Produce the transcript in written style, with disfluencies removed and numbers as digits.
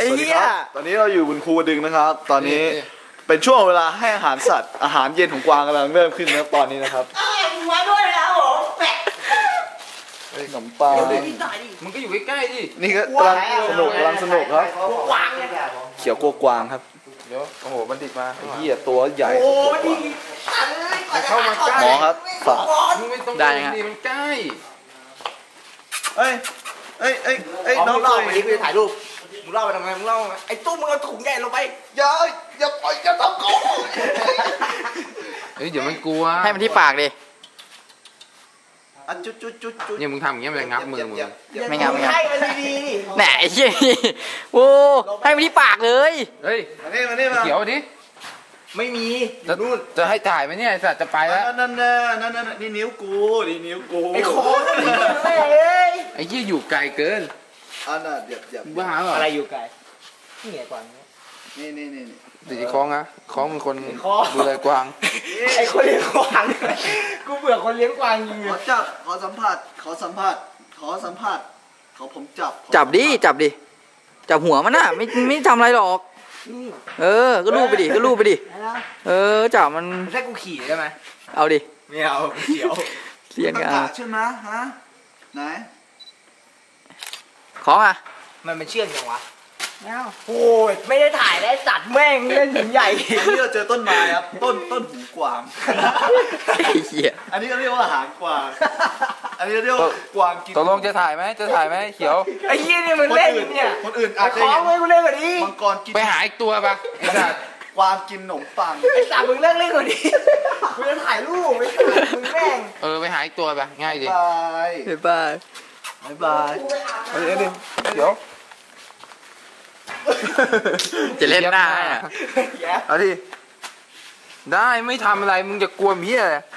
สวัสดีครับตอนนี้เราอยู่บนภูกระดึงนะครับตอนนี้เป็นช่วงเวลาให้อาหารสัตว์อาหารเย็นของกวางกำลังเริ่มขึ้นนะครับตอนนี้นะครับมาด้วยแล้วผมแปะขนมปังมึงก็อยู่ใกล้ๆดินี่ก็กำลังสนุกครับเขียวกลัวกวางครับเดี๋ยวโอ้โหบัณฑิตมาไอ้เหี้ยตัวใหญ่โอ้ดีเข้ามาใกล้หมอครับฝากมึงไม่ต้องดีมันใกล้เอ้ยน้องเล่าไปดิกูจะถ่ายรูปมึงเล่าไปทำไมมึงเล่าไอ้ตู้มึงเอาถุงใหญ่ลงไปอย่าปล่อยอย่าทำกูเฮ้ยเดี๋ยวมันกลัวให้มันที่ปากดิจุดเนี่ยมึงทำอย่างเงี้ยมันงับมือมึงไม่งับให้มันดีแหน่ไอ้เหี้ยโอ้ให้มันที่ปากเลยเฮ้ยมานี่มาเขียวดิไม่มีจะให้ถ่ายไหมเนี่ยสัตว์จะไปแล้วนั่นนี่นิ้วกูไอ้โค้งไอ้ยี่อยู่ไกลเกินน่ะเดี๋ยวบ้าเหรออะไรอยู่ไกลนี่ไงกวางนี่ตีคล้องอะคล้องเป็นคนดูแลกวางไอ้คนเลี้ยงกวางกูเบื่อคนเลี้ยงกวางจริงขอสัมผัสขอผมจับดิจับหัวมันน่ะไม่ทำอะไรหรอกก็ลูบไปดิจับมันให้กูขี่ได้ไหมเอาดิไม่เอาเขียวเสียนกันใช่ไหมฮะไหนของอ่ะมันเป็นเชือกยังวะโอ้ยไม่ได้ถ่ายได้สัตว์แม่งเล่นหินใหญ่นี่เราเจอต้นไม้ครับต้นหูกวางอันนี้ก็เรียกว่าอาหารกวางอันนี้เรียกว่ากวางกินตกลงจะถ่ายไหมเขียวไอ้ยี่นี่มันเล่นเนี่ยคนอื่นอาจจะของเลยกูเล่นกว่านี้มังกรกินไปหาอีกตัวปะไอ้สัตว์กวางกินขนมปังไอ้สัตว์มึงเล่นกว่านี้กูจะถ่ายรูปไม่ถ่ายมึงแม่งไปหาอีกตัวปะง่ายดิบายเดี๋ยวจะเล่นหน้าเอาดิได้ไม่ทำอะไรมึงจะกลัวเมียเลย